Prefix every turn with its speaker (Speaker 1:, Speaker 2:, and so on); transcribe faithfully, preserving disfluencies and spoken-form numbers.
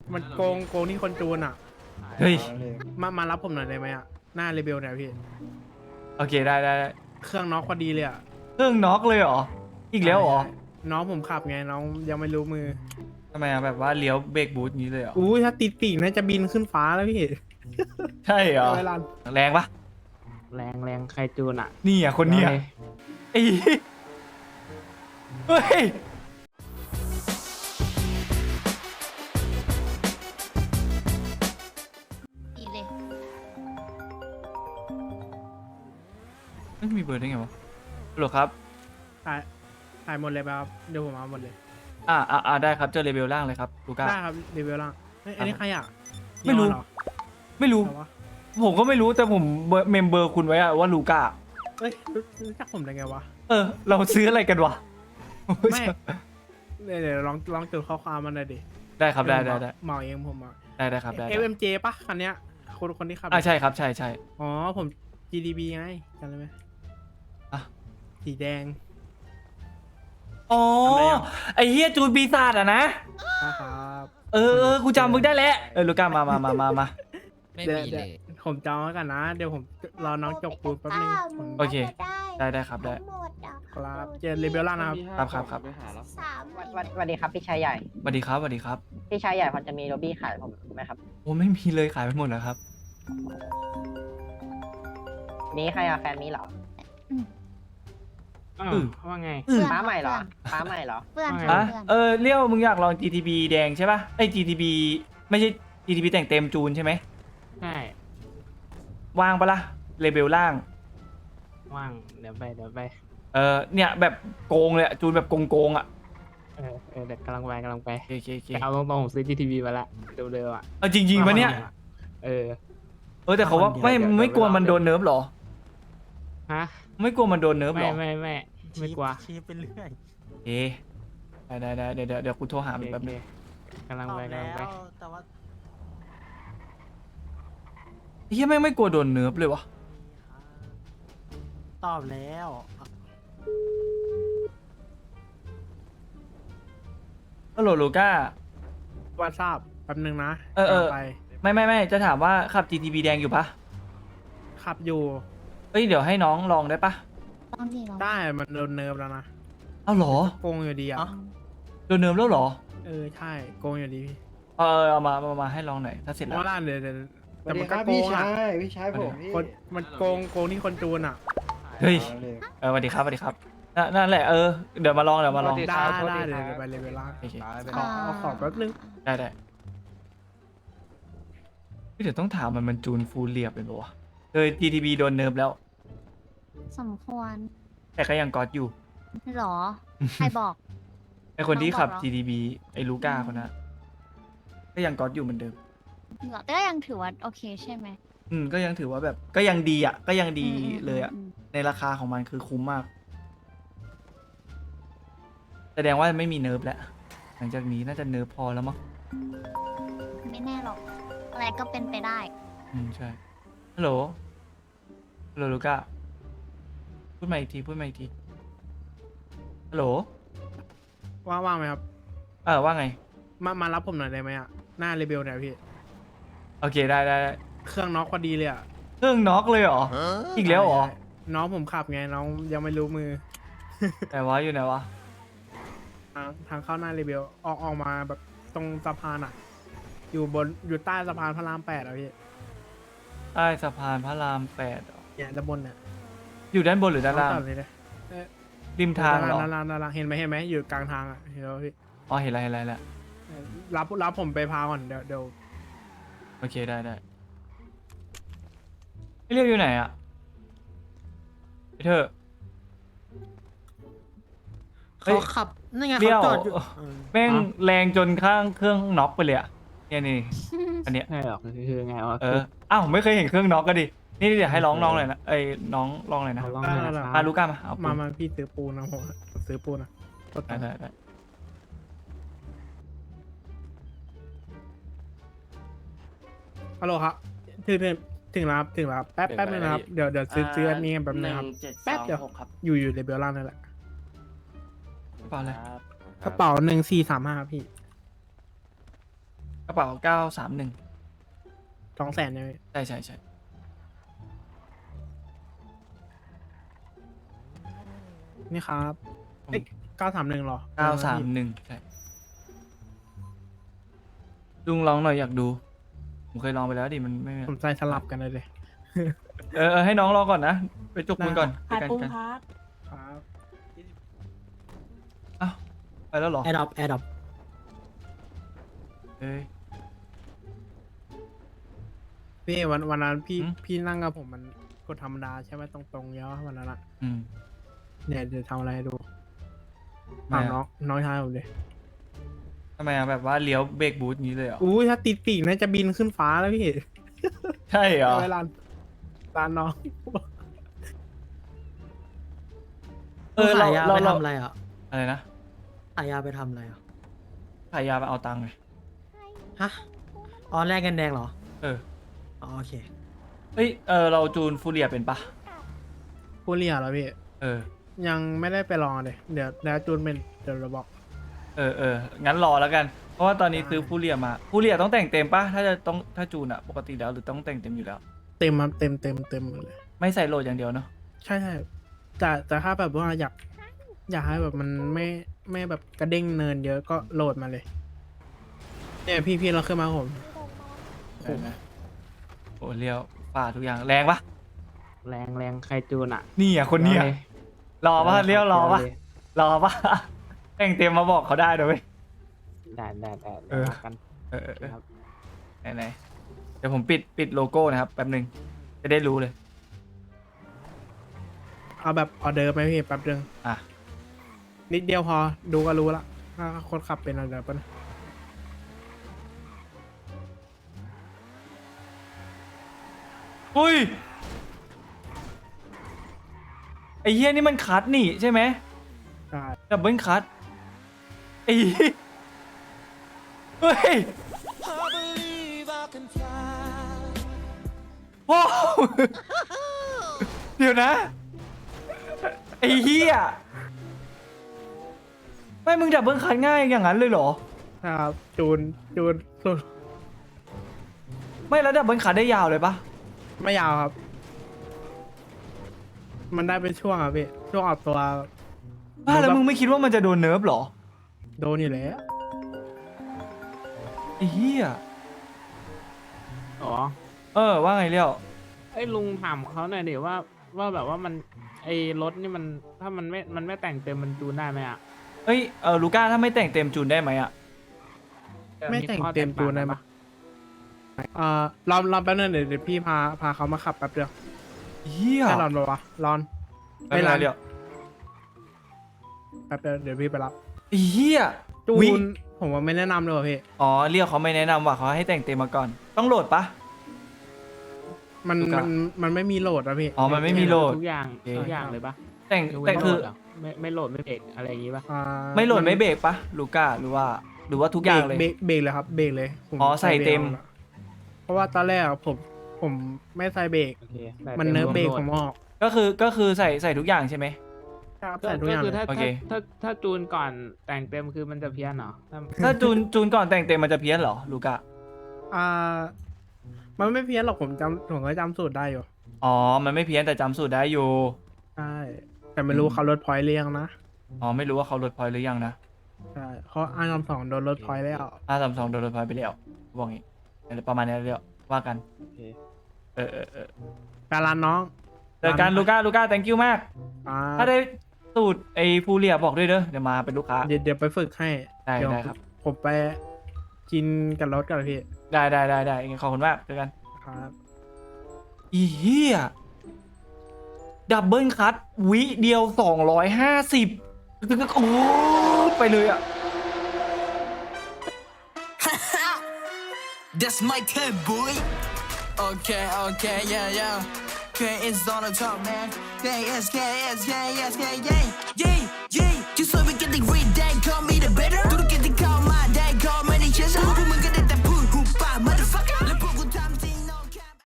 Speaker 1: มันโกงโกงที่คนจูนอ่ะ
Speaker 2: เฮ้ย
Speaker 1: มามารับผมหน่อยได้ไหมอ่ะหน้าเรเบลเนี่ยพี่
Speaker 2: โอเคได้ได้ได้
Speaker 1: เครื่องน็อกพอดีเลยอ่ะ
Speaker 2: เครื่องน็อกเลยเหรออีกแล้วเหรอ
Speaker 1: ใช่น้องผมขับไงน้องยังไม่รู้มือ
Speaker 2: ทำไมอะแบบว่าเลี้ยวเบรกบูทนี้เลยเหรอ
Speaker 1: อุ้ยถ้าติดปีกน่าจะบินขึ้นฟ้าแล้วพี่
Speaker 2: ใช่เหรอ
Speaker 1: เวลา
Speaker 2: แรงปะ
Speaker 3: แรงแรงใครจูนอ่ะ
Speaker 2: นี่อ่ะคนเนี้ย
Speaker 3: เลย
Speaker 2: ไอ้เฮ้ย
Speaker 4: ดีเลย
Speaker 2: ไม่มีเบอร์ได้ไงวะฮัลโหลครับ
Speaker 1: ถ่ายถ่ายหมดเลยป่ะครับเดี๋ยวผมเอาหมดเลย
Speaker 2: อ่าอ่าอ่าได้ครับเจอเลเวลล่างเลยครับลูก้า
Speaker 1: ได้ครับเรเบลล่างเฮ้ยอันนี้ใครอ่ะ
Speaker 2: ไม่รู้
Speaker 1: ยอนเหอ
Speaker 2: ไม่รู้
Speaker 1: แต่ว่า
Speaker 2: ผมก็ไม่รู้แต่ผมเบอร์เมมเบอร์คุณไว้อะว่าลูก้า
Speaker 1: เอ้ยรู้รู้จักผมได้ไงวะ
Speaker 2: เออ เราซื้ออะไรกันวะ
Speaker 1: ไม่เดี๋ยวเดี๋ยวลองลองจดข้อความมันหน่อยดิ
Speaker 2: ได้ครับได้ได้ได้
Speaker 1: เหมาเองผมอ่ะ
Speaker 2: ได้ได้ครับได้
Speaker 1: เอฟเอ็มเจป่ะคันเนี้ยคนคนที่ขับ
Speaker 2: อ่าใช่ครับใช่ใช่
Speaker 1: อ๋อผม จี ดี บี ไงจำได้ไหม
Speaker 2: อ่ะ
Speaker 1: สีแดง
Speaker 2: อ๋อ
Speaker 1: ทำไมอะ
Speaker 2: ไอเฮียจูนปีศาจอะนะ
Speaker 1: นะครับ
Speaker 2: เออเออกูจำมึงได้แล้วเออลูก้ามามามามามา
Speaker 5: ไม่
Speaker 1: เดี๋ยว
Speaker 5: มี
Speaker 1: เดี๋
Speaker 5: เลย
Speaker 1: วย ผมจองไว้กันนะ เดี๋ยวผมรอน้องจบปูนแป๊บนึงผม
Speaker 2: โอเค ได้ได้ครับได้
Speaker 4: หมดอ่ะ
Speaker 1: ครับเจอเรเบลล่านะครับ
Speaker 2: ครับครับครับ
Speaker 4: สาม
Speaker 6: สวัสสวัสดีครับพี่ชายใหญ่
Speaker 2: สวัสดีครับสวัสดีครับ
Speaker 6: พี่ชายใหญ่พอจะมีโรบี้ขายผมไหมครับ
Speaker 2: โอ้ไม่มีเลยขายไปหมดแล้วครับ
Speaker 6: มีใครอะแฟนมีเหรอ
Speaker 3: อ้าว
Speaker 2: อืม
Speaker 3: ว่าไง
Speaker 2: อืม
Speaker 6: ฟ้าใหม่เหรอฟ้าใหม่เหรอ
Speaker 4: เพื่อน
Speaker 3: ว่าไง
Speaker 4: ค่ะ
Speaker 2: อ่ะ
Speaker 4: เพื่อน
Speaker 2: เออเลี้ยวมึงอยากลอง จี ที บี แดงใช่ป่ะไอ้ จี ที บี ไม่ใช่ จี ที บี แต่งเต็มจูนใช่ไหม
Speaker 3: ใช่
Speaker 2: ว่างปะล่ะเลเบลล่าง
Speaker 3: ว่างเดี๋ยวไปเดี๋ยวไป
Speaker 2: เออเนี่ยแบบโกงเลยอะจูนแบบโกงโกงๆอ่ะ
Speaker 3: เออเออเดี๋ยวกำลังไปกำลังไป
Speaker 2: โอเคโอเค
Speaker 3: แต่เอาตรงๆผมซื้อ จี ที บี มาละเร็วๆอ่ะ
Speaker 2: เอาจริงๆปะเนี่ย
Speaker 3: เออ
Speaker 2: เออแต่เขาว่าไม่
Speaker 3: เดี๋ยว
Speaker 2: ไม่กลัวมันโดนเนิร์ฟหรอ
Speaker 3: ฮะ
Speaker 2: ไม่กลัวมันโดนเนิร์ฟห
Speaker 3: ไม่
Speaker 2: รอ
Speaker 3: ไม่ไม่ไม่กลัว
Speaker 7: ชี้ไปเรื่อย
Speaker 2: เอ๊ะได้ได้ได้เดี๋ยวเดี๋ยวเดี๋ยวกูโทรหามันแป๊บนึง
Speaker 3: กำลังไปกำลังไป
Speaker 7: แต่ว่า
Speaker 2: เฮียแม่งไม่กลัวโดนเนิร์ฟเลยวะ
Speaker 7: ตอบแล้ว
Speaker 2: ฮัลโหลลูก้า
Speaker 1: ว่าทราบแป๊บนึงนะ
Speaker 2: เออเออ
Speaker 1: ไป
Speaker 2: ไม่ไม่ไม่จะถามว่าขับ จี ที บี แดงอยู่ปะ
Speaker 1: ขับอยู่
Speaker 2: เอ้ยเดี๋ยวให้น้องลองได้ปะ
Speaker 4: ลองดิลอง
Speaker 1: ได้มันโดนเนิร์ฟแล้วนะ
Speaker 2: เอาเหรอ
Speaker 1: โกงอยู่ดีอ่ะ
Speaker 2: โดนเนิร์ฟแล้วเหรอ
Speaker 1: เออใช่โกงอยู่ดีพี่
Speaker 2: เออเอามาเอามาให้ลองหน่อยถ้าเสร็จ
Speaker 1: เพ
Speaker 2: แล้ว
Speaker 1: ราะว่าเดี๋ยวเดี๋ยว
Speaker 8: ส
Speaker 1: แต่
Speaker 8: วัสดี
Speaker 1: มัน
Speaker 8: ค
Speaker 1: ก็
Speaker 8: รับ
Speaker 1: โก
Speaker 8: พี่
Speaker 1: งอ่ะ
Speaker 8: ชายพี่ชายผมพี่
Speaker 1: คนมันโกงโกงที่คนจูนอ่ะ
Speaker 2: เฮ้ย
Speaker 8: อาเลย
Speaker 2: เออสวัสดีครับสวัสดีครับนั่นนั่นแหละเออเดี๋ยวมาลองเดี๋ยวมาลอง
Speaker 6: สวัสดี
Speaker 1: ได้
Speaker 6: ครับ
Speaker 1: ได้เดี๋ยวเดี๋ยวไปเรเบลล่า
Speaker 2: โอเค
Speaker 1: ขอเอาของแป๊บนึง
Speaker 2: ได้ได้เฮ้ยเดี๋ยวต้องถามมันมันจูนฟูลเรียบเลยปะวะเออ จี ที บี โดนเนิร์ฟแล้ว
Speaker 4: สมควร
Speaker 2: แต่ก็ยังกอดอยู่
Speaker 4: หรอ ใครบอก
Speaker 2: ไอคนที่ขับ
Speaker 4: น้องบอกเหรอ
Speaker 2: จี ที บี ไอลูก้าคนนั้นก็ยังกอดอยู่เหมือนเดิม
Speaker 4: หรอแต่ก็ยังถือว่าโอเคใช่ไหม
Speaker 2: อืมก็ยังถือว่าแบบก็ยังดีอ่ะ ก็ยังดี
Speaker 4: อืมอืม
Speaker 2: เลยอ่ะ
Speaker 4: อืม
Speaker 2: ในราคาของมันคือคุ้มมาก แสดงว่าไม่มีเนิร์ฟแล้ว หลังจากนี้น่าจะเนิร์ฟพอแล้วมั้ง
Speaker 4: ไม่แน่หรอก อะไรก็เป็นไปได้
Speaker 2: อืมใช่ ฮัลโหล ฮัลโหลลูก้า พูดมาอีกที พูดมาอีกที ฮัลโหล
Speaker 1: ว่างว่างไหมครับ
Speaker 2: เออว่าไง
Speaker 1: มามารับผมหน่อยได้ไหมอ่ะหน้าเรเบลเนี่ยพี่
Speaker 2: โอเคได้ได้ได้
Speaker 1: เครื่องน็อกพอดีเลยอ่ะ
Speaker 2: เครื่องน็อกเลยเหรอ อีกแล้วเหรอ
Speaker 1: ใช่น้องผมขับไงน้องยังไม่รู้มือ
Speaker 2: แต่ว่าอยู่ไหนวะ
Speaker 1: ทางทางเข้าหน้าเรเบลออกออกมาแบบตรงสะพานอ่ะ อยู่บนอยู่ใต้สะพานพระรามแปดอ่ะพี่
Speaker 2: ใต้สะพานพระรามแปดเหรอ
Speaker 1: เนี่ยด้านบนเนี่ย
Speaker 2: อยู่ด้านบนหรือด้านล่าง
Speaker 1: องตัดเลยนะเอ๊ะ
Speaker 2: ริมทางเหรอ
Speaker 1: ด้านล่างด้านล่างเห็นไหมเห็นไหมอยู่กลางทางอ่ะเห็นแล้วพี่
Speaker 2: อ๋อเห็นแล้วเห็นแล้วเห็นแล้ว
Speaker 1: เออรับรับผมไปพาก่อนเดี๋ยวเดี๋ยว
Speaker 2: โอเคได้ได้พี่เรียกอยู่ไหนอะพี่เธอ เฮ้ย
Speaker 7: เขาขับนั่นไง
Speaker 2: เลี้ยว
Speaker 7: เขาจอดอยู่เออ
Speaker 2: แม่งแรงจนข้างเครื่องน็อกไปเลยอะเนี่ยนี่ อันเนี้ย
Speaker 3: ใช่หรอกคือไงวะ
Speaker 2: เออ อ้าวไม่เคยเห็นเครื่องน็อกก็ดิ นี่เดี๋ยวให้ร้องน้องหน่อยนะ เอ้ยน้องลองหน่อยนะ
Speaker 3: เอาลองหน่อยนะค
Speaker 2: อ่ะ
Speaker 3: รับ
Speaker 2: ลูก้ามา เอาปู
Speaker 1: มาน มาพี่ซื้อปูนนะผมซื้อปูนนะกดตั
Speaker 2: ได้
Speaker 1: งค์
Speaker 2: ได้ได้
Speaker 1: ฮัลโหลครับถึงถึงถึงแล้วครับถึงแล้วครับแป๊บแป๊บนึงนะครับเดี๋ยวเดี๋ยวซื้อซื้ออันนี้กันแป๊บนึงครับแป๊บเดียวอยู่อยู่ในเบลล่างนั่นแหละ
Speaker 2: เปล่าเลย
Speaker 1: กระเป๋าหนึ่งสี่สามห้าพี่
Speaker 2: กระเป๋าเก้าสามหนึ่ง
Speaker 1: สองแสนเนี่ยพี่
Speaker 2: ใช่ใช่ใช่
Speaker 1: นี่ครับเอ้ยเก้าสามหนึ่งหรอ
Speaker 2: เก้าสามหนึ่งใช่ลุงลองหน่อยอยากดู ผมเคยลองไปแล้วดิมันไม่
Speaker 1: ผมใส่สลับกันเลยเลย
Speaker 2: เออเออให้น้องรอก่อนนะ ไปจุกมือก่อน
Speaker 5: ขาย
Speaker 2: ไปกัน
Speaker 5: ปุ้ง
Speaker 2: กัน
Speaker 5: ครับ
Speaker 1: ครับ
Speaker 2: อ้าวไปแล้วเหรอ
Speaker 5: แอร์ดรอปแอร์ดรอป
Speaker 2: เอ้ย
Speaker 1: พี่วันวันนั้นพี่
Speaker 2: หืม
Speaker 1: พี่นั่งกับผมมันกดธรรมดาใช่ไหมตรงๆเยอะวันนั้นอะ
Speaker 2: อืม
Speaker 1: เนี่ยเดี๋ยวทำอะไรให้ดู
Speaker 2: ไม่
Speaker 1: ถาม
Speaker 2: อะ
Speaker 1: น้องน้องชายผมดิ
Speaker 2: ทำไมอะแบบว่าเลี้ยวเบรกบูทอย่างนี้เลยเหรอ
Speaker 1: อู้ถ้าติดปีกน่าจะบินขึ้นฟ้าแล้วพี่
Speaker 2: ใช่เหรอ
Speaker 1: เวลาลานน้อง
Speaker 2: เออเรา
Speaker 5: ขายยา
Speaker 2: เรา
Speaker 5: ไป
Speaker 2: เรา
Speaker 5: ทำอะไรอ่ะ
Speaker 2: อะไรนะ
Speaker 5: ขายยาไปทำอะไรอ่ะ
Speaker 2: ขายยาไปเอาตังค์ไง
Speaker 5: ฮะอ๋อแลกกันแดงเหรอ
Speaker 2: เออ
Speaker 5: อ๋อโอเค
Speaker 2: เฮ้ย เออ เราจูนฟูเรียเป็นปะ
Speaker 1: ผู้เรียเหรอพี่
Speaker 2: เออ
Speaker 1: ยังไม่ได้ไปลองเลยเดี๋ยวแล้วจูนเป็นเดี๋ยวเราบอก
Speaker 2: เออเอองั้นรอแล้วกัน เพราะว่าตอนนี้ซื้อฟูเรียมาฟูเรียต้องแต่งเต็มปะถ้าจะต้องถ้าจูนอะปกติแล้วหรือต้องแต่งเต็มอยู่แล้ว
Speaker 1: เต็มครับเต็มเต็มเต็มหมดเลย
Speaker 2: ไม่ใส่โหลดอย่างเดียวเนาะ
Speaker 1: ใช่ใช่แต่แต่ถ้าแบบว่าอยากอยากให้แบบมันไม่ไม่แบบกระเด้งเนินเยอะก็โหลดมาเลย เนี่ยพี่พี่เราขึ้นมาผม
Speaker 2: ใช่ไหมโอ้เลี้ยวฝ่าทุกอย่างแรงปะ
Speaker 3: แรงแรงใครจูนอ่ะ
Speaker 2: นี่อ่ะคนเนี้ย
Speaker 3: เดี๋ยวเลย
Speaker 2: รอปะเลี้ยวรอปะ
Speaker 3: เดี๋ยวเลย
Speaker 2: รอปะแต่งเต็มมาบอกเขาได้เดี๋ยวเว้ย
Speaker 3: ได้ได้ได้
Speaker 2: เออ
Speaker 3: ได้กัน
Speaker 2: เออเออเออ
Speaker 3: ครับ
Speaker 2: ไหนไหนเดี๋ยวผมปิดปิดโลโก้นะครับแป๊บหนึ่งจะได้รู้เลย
Speaker 1: เอาแบบออเดอร์ไหมพี่แป๊บนึง
Speaker 2: อ่ะ
Speaker 1: นิดเดียวพอดูก็รู้ละถ้าคนขับเป็นอะไรปะนะ
Speaker 2: อุ้ยไอ้เหี้ยนี่มันคัดนี่ใช่ไหม
Speaker 1: ใช่
Speaker 2: ดับเบิลคัทไอ้เหี้ยเฮ้ยว้าวเดี๋ยวนะ ไอ้เหี้ยไม่มึงดับเบิลคัทง่ายอย่างนั้นเลยเหรอ
Speaker 1: ครับจูนจูนสุด
Speaker 2: ไม่แล้วดับเบิลคัทได้ยาวเลยปะ
Speaker 1: ไม่ยาวครับ มันได้เป็นช่วงครับพี่ช่วงออกตัว
Speaker 2: บ้าแล้วมึงไม่คิดว่ามันจะโดนเนิร์ฟเหรอ
Speaker 1: โดนอยู่แล้ว
Speaker 2: ไอ้เหี้ย
Speaker 3: อ๋อ
Speaker 2: เออว่าไงเลี้ยว
Speaker 3: ไอ้ยลุงถามเขาหน่อยดิว่าว่าแบบว่ามันไอ้รถนี่มันถ้ามันไม่มันไม่แต่งเต็มมันจูนได้ไหมอ่ะ
Speaker 2: เอ้ยเออลูก้าถ้าไม่แต่งเต็มจูนได้ไหมอะ
Speaker 1: ไม่แต่งเต็ม
Speaker 3: ข้อ
Speaker 1: จูนได้ปะเอ่อรอนรอนแป๊บนึงเดี๋ยวเดี๋ยวพี่พาพาเขามาขับแป๊บเดียว
Speaker 2: เหี้ย
Speaker 1: ให้รอนปะวะรอน
Speaker 2: ไม่เป็นไรเลี้ยว
Speaker 1: แป๊บเดียวเดี๋ยวพี่ไปรับ
Speaker 2: ไอ้เหี้ย
Speaker 1: จู
Speaker 2: วิ
Speaker 1: นผมว่าไม่แนะนำเลยว่ะพี่
Speaker 2: อ๋อเรียกเขาไม่แนะนำว่าเขาให้แต่งเต็มมาก่อน ต้องโหลดปะ
Speaker 1: มัน
Speaker 2: ดูกัน
Speaker 1: มันมันไม่มีโหลดอะพี่
Speaker 2: อ๋อมันไม่มีโหลด
Speaker 3: ทุกอย่าง
Speaker 2: โอเค
Speaker 3: ทุกอย่างเลยปะ
Speaker 2: แต่ง
Speaker 3: ยกเว้น
Speaker 2: แต่คือ
Speaker 3: โหลดเหรไม่ไม่โหลดไม่เบรกอะไรอย่างงี้ปะ
Speaker 1: อ่า
Speaker 2: ไม่โหลดไม่เบรกปะลูก้าหรือว่า หรือว่าทุกอย่างเลย
Speaker 1: เบรกเบรกเลยครับเบรกเลยผม
Speaker 2: อ๋อใส่เต็ม
Speaker 1: บรกแล้วเพราะว่าตอนแรกอะผมผมไม่ใส่เบรก
Speaker 3: โอเคใส่
Speaker 1: มัน
Speaker 3: ต็
Speaker 1: เนิร์ฟเบรก
Speaker 3: ว
Speaker 1: ผมออก
Speaker 2: ก็คือก็คือใส่ใส่ทุกอย่างใช่ไหม
Speaker 1: ครับ
Speaker 3: ก็
Speaker 1: ใส่ทุกอย่าง
Speaker 3: ก็คือ
Speaker 1: เลย
Speaker 3: ถ้า
Speaker 2: โอเค
Speaker 3: ถ้าถ้าถ้าจูนก่อนแต่งเต็มคือมันจะเพี้ยนเหรอถ้า
Speaker 2: ถ้าจูนจูนก่อนแต่งเต็มมันจะเพี้ยนเหรอลูก้า
Speaker 1: อ่า มันไม่เพี้ยนหรอกผมจำผมก็จำสูตรได้อยู่
Speaker 2: อ๋อมันไม่เพี้ยนแต่จำสูตรได้อยู่
Speaker 1: ใช่แต่ไม่รู้เขาลดพอยต์เรียงนะ
Speaker 2: อ๋อไม่รู้ว่าเขาลดพอยต์หรือยังนะ
Speaker 1: ใช่เขาอ้างคำสองโดนลดพอยต์แล้ว
Speaker 2: ห้าสามสองโดนลดพอยต์ไปแล้วบอกงี้อะไรประมาณนี้เรียวว่ากัน
Speaker 3: โอเค
Speaker 2: เออเออเออ
Speaker 1: การันน้อง
Speaker 2: เจอกันลูก้าลูก้า thank you มาก
Speaker 1: อ่า
Speaker 2: ถ้าได้สูตรไอ้ฟูเรียบอกด้วยเด้อเดี๋ยวมาเป็นลูกค้า
Speaker 1: เดี๋ยวเดี๋ยวไปฝึกให้
Speaker 2: ได้
Speaker 1: เยว
Speaker 2: ได้ครับ
Speaker 1: ผมไปกินกับรถกันพี่
Speaker 2: ได้ได้ได้ได้งั้นขอบคุณมากเจอกัน
Speaker 1: ครับ
Speaker 2: อีเหี้ยดับเบิลคัทวิเดียวสองร้อยห้าสิบโอ้ไปเลยอ่ะ
Speaker 7: That's my turn, boy. Okay, okay, yeah, yeah. K is on the top, man. K is, K is, K is, K, yeah, yeah, yeah. You saw me getting red, then call me the better.